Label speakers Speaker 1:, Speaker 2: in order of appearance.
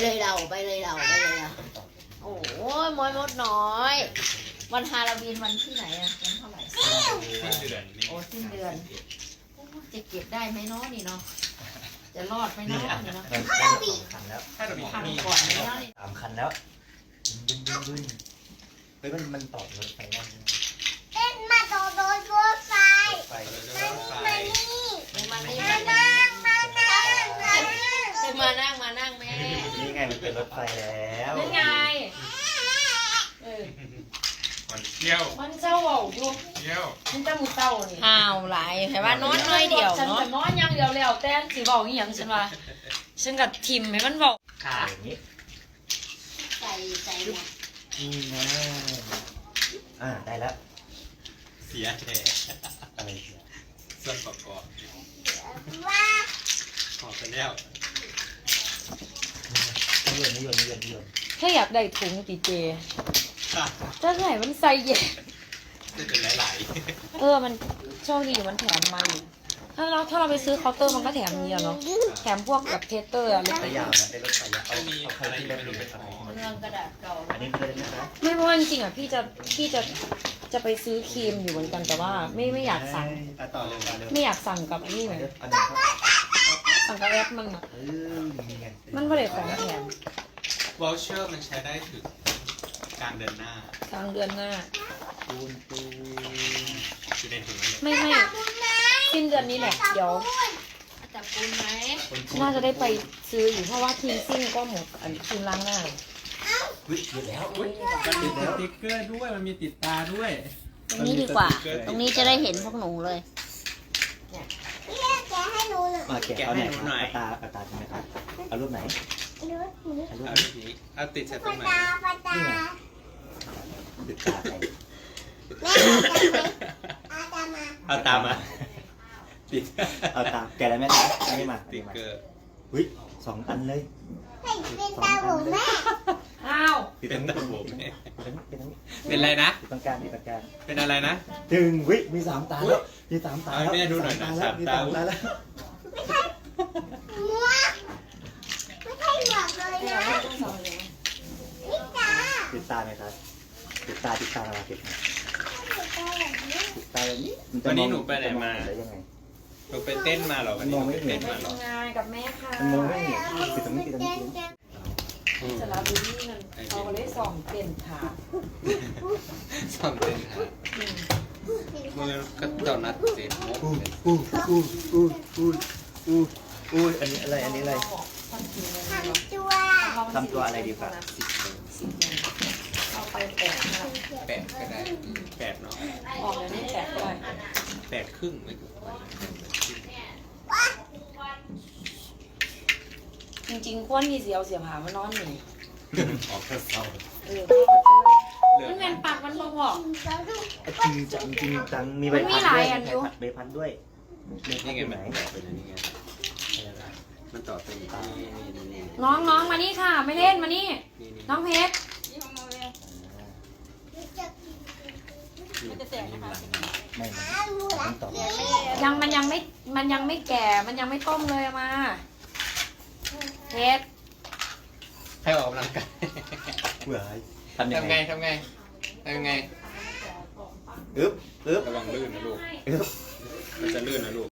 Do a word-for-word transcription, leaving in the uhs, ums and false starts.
Speaker 1: เลยเราไปเลยเราไปเลยเราโอ้ยมอยมดน้อยวันฮาโลวีนวันที่ไหนอะวันเท่าไหร่
Speaker 2: สิ้นเดือน
Speaker 1: โอ้สิ้นเดือนจะเก็บได้ไหมเนาะนี่เนาะจะรอดไหมเนาะนี่เนาะ
Speaker 3: สองคันแล้ว
Speaker 2: ถ้าเรามี
Speaker 1: ทำ
Speaker 2: มี
Speaker 1: ก่อนไหมเนาะ
Speaker 3: สามคันแล้วบึ้นบึ้นบึ้นเฮ้ยมันมันต่อรถไฟได้ไหม
Speaker 4: เต้นมาโดดโดดรถไฟ
Speaker 3: รถไฟ
Speaker 4: มานี่
Speaker 1: มานี่
Speaker 4: มานั่งมานั่งมานั่ง
Speaker 1: มานั่งมานั่งแม่
Speaker 3: นี่ไงมันเป็นรถไฟแล้ว
Speaker 1: นั่นไงเออ
Speaker 2: มันเที่ยว
Speaker 5: มันเจ้าเบาอยู่
Speaker 2: เที่ยว
Speaker 5: มันจะมุดเต้านี่
Speaker 1: ห่าวหลายแต่ว่านอนน้อยเดียว
Speaker 5: ฉัน
Speaker 1: เนาะ
Speaker 5: จะนอนอย่างเดียวแล้วแต่สิเบาอีหยังฉันว่าฉันกับทิมให้มันเบา
Speaker 3: ขาอย่างนี้
Speaker 1: ใส่ใส่หมด
Speaker 3: นี่นะอ่าได้แล้ว
Speaker 2: เสียแท้
Speaker 3: อะไรเสีย
Speaker 2: ส่วนประกอบ
Speaker 4: ว่า
Speaker 2: ขอไปแล้ว
Speaker 3: นิยมนิยมนิยมนิยม
Speaker 5: แค่อยากได้ถุงติเจถ้าไหนมันใส่เย็น
Speaker 2: จะเป็นหลาย
Speaker 5: เออมันโชคดีมันแถมมาอยู่ถ้าเราถ้าเราไปซื้อเคาน์เตอร์มันก็แถมเยอะเนาะแถมพวกแบบเทสเตอร์อะไร
Speaker 3: รถไฟยาวนะได้รถไฟยาว
Speaker 2: ๆ
Speaker 3: เอา
Speaker 2: ไม่มี
Speaker 3: เอาใคร
Speaker 2: อะไร
Speaker 3: ที่
Speaker 2: ไม่
Speaker 3: ได้
Speaker 2: รู้
Speaker 3: ไป
Speaker 2: เป็น
Speaker 3: เอา
Speaker 2: ของ
Speaker 1: เรื่องกระดาษเก่า
Speaker 3: อันนี้เลยนะครับ
Speaker 5: ไม่เพราะว่าจริงๆอ่ะพี่จะพี่จะจะไปซื้อครีมอยู่เหมือนกันแต่ว่าไม่ไม่อยากสั่ง
Speaker 3: อ่ะต่อเลยต่อเลย
Speaker 5: ไม่อยากสั่งกับอันนี้เลย
Speaker 3: อันนี้ครับ
Speaker 5: สั่งกับแอปมันอ่ะ
Speaker 3: เออมีไง
Speaker 5: มันก็เลยของแถม
Speaker 2: วอลเชอร์มันใช้ได้ถึงกลางเดือนหน้าก
Speaker 5: ลางเดือนหน้า
Speaker 3: ปูนปูน
Speaker 2: อยู่ในถุงนั้นเลย
Speaker 5: ไม่ไม่สิ้นเดือนนี้แหละเดี๋ยว
Speaker 1: จับปูนไหม
Speaker 5: น่าจะได้ไปซื้ออยู่เพราะว่าครีมซิ่งก็หมดอันครีมล้างหน้า
Speaker 3: อุ๊ยหยุดแล้ว
Speaker 2: มันมีสติ๊กเกอร์ด้วยมันมีติดตาด้วย
Speaker 1: ตรงนี้ดีกว่า ตรงนี้จะได้เห็นพวกหนูเลย
Speaker 4: พี่แกให้หนูหน่อย
Speaker 3: มาแกะเอาไหนครับเอาตาเอาตาใช่ไหมครับเอารูปไหน
Speaker 4: หนูหนู
Speaker 3: เอารูป
Speaker 2: เอา
Speaker 3: ไหน
Speaker 2: ทีนี้เอาติดใส่ต
Speaker 4: ป
Speaker 2: รงไหน
Speaker 4: ตาปตา
Speaker 3: ติดตาใคร
Speaker 4: แม่เอาตาไหมเอาตามา
Speaker 2: เอาตามมาติด
Speaker 3: เอาตาแกะแล้วไหมครับอันนี้มา
Speaker 2: สติ๊กเกอร์
Speaker 3: เฮ้ยสองอันเลย
Speaker 4: ให้เป็นตาผมแม่
Speaker 5: อ้าว
Speaker 3: ติด
Speaker 2: เป็
Speaker 3: ต
Speaker 2: น
Speaker 3: รง
Speaker 2: ตา
Speaker 3: นี้
Speaker 2: ผมเนี่ย
Speaker 3: ติดตรงนี้ติดตรงนี้
Speaker 2: เป็นอะไรนะ
Speaker 3: ติดตรงกลางติดตรงกลาง
Speaker 2: เป็นอะไรนะ
Speaker 3: ถึงวิมีสามตาแล้วมีสามตา
Speaker 2: เอาให้แม่ดูหน่อยนะ
Speaker 3: แล้วมีสาม
Speaker 2: สามตา
Speaker 3: ตาแล้ว
Speaker 4: หมวกไม่ใช่หมวกเลยนะนี่ตา
Speaker 3: ติดตาไหมครับติดตาติดตามาติดตา
Speaker 4: ติดตาแบบนี้
Speaker 3: ติดตาแบบนี้มัจะ
Speaker 2: วันนี้หนูไปไหนมา
Speaker 3: จะได้ยังไง
Speaker 2: หนูไปเต้นมาเหรอวันนี้หนูไปเต้นมาเหรอ
Speaker 5: ทำงานกับแม่ค่ะ
Speaker 3: มันมองไม่เห็นติดตรงนี้ติดตรงนี้ติดตรงนี้
Speaker 2: อืม
Speaker 5: สระบุรีนั่นเขาก็เลยส่องเปลี่ยนขา
Speaker 2: ซ้อมเต้นค่ะมือก็เจ้านัดเจ็ดโมง
Speaker 3: อู้อู้อู้อู้อู้อู้อู้อันนี้อะไรอันนี้อะไร
Speaker 5: ทำกินเลย
Speaker 4: ทำตัว
Speaker 3: ทำตัวอะไรดีกว่า
Speaker 5: สิบโมงเอาไปแปดนะ
Speaker 2: แปดก็ได้แปดเนาะ
Speaker 5: ออกเลยนี่แปดได้
Speaker 2: แปดครึ่งไม่ถูก
Speaker 5: จริงๆควรมีเสียวเสียผามานอนหนึ่ง
Speaker 2: ออกกระเซา
Speaker 5: เออ
Speaker 2: เลือ
Speaker 5: มันเป็นปากมันพอ
Speaker 3: จริงจังจริงจังมีใบ
Speaker 5: มันมี
Speaker 3: พัด
Speaker 5: หลา
Speaker 3: ด้วย ย
Speaker 5: อันอยู่
Speaker 3: ใบพัดด้วยใบพัด
Speaker 2: นี่ไง
Speaker 3: อยู่
Speaker 2: มั
Speaker 3: ไห
Speaker 2: น
Speaker 3: น
Speaker 2: ต่อเป็นอันนี้ไงมันต่อเป็นนี่นี่นี่นี่
Speaker 5: น้องน้องมานี่ค่ะ ไม่เล่นมานี่
Speaker 2: นี่
Speaker 5: น้องเพชร
Speaker 2: มันจะแตกนะคะ
Speaker 3: ไม่มันต่อ
Speaker 5: ยังมันยังไม่มันยังไม่แก่มันยังไม่ต้มเลยเอามาเพชร
Speaker 2: ให้ออกกำลังกาย
Speaker 3: เบื่อทำยัง
Speaker 2: ทำ
Speaker 3: ไง
Speaker 2: ไงทำไงทำไง
Speaker 3: อึ๊บอึ๊บ
Speaker 2: ระวังลื่นนะลูก
Speaker 3: อึ๊บ
Speaker 2: มันจะลื่นนะลูก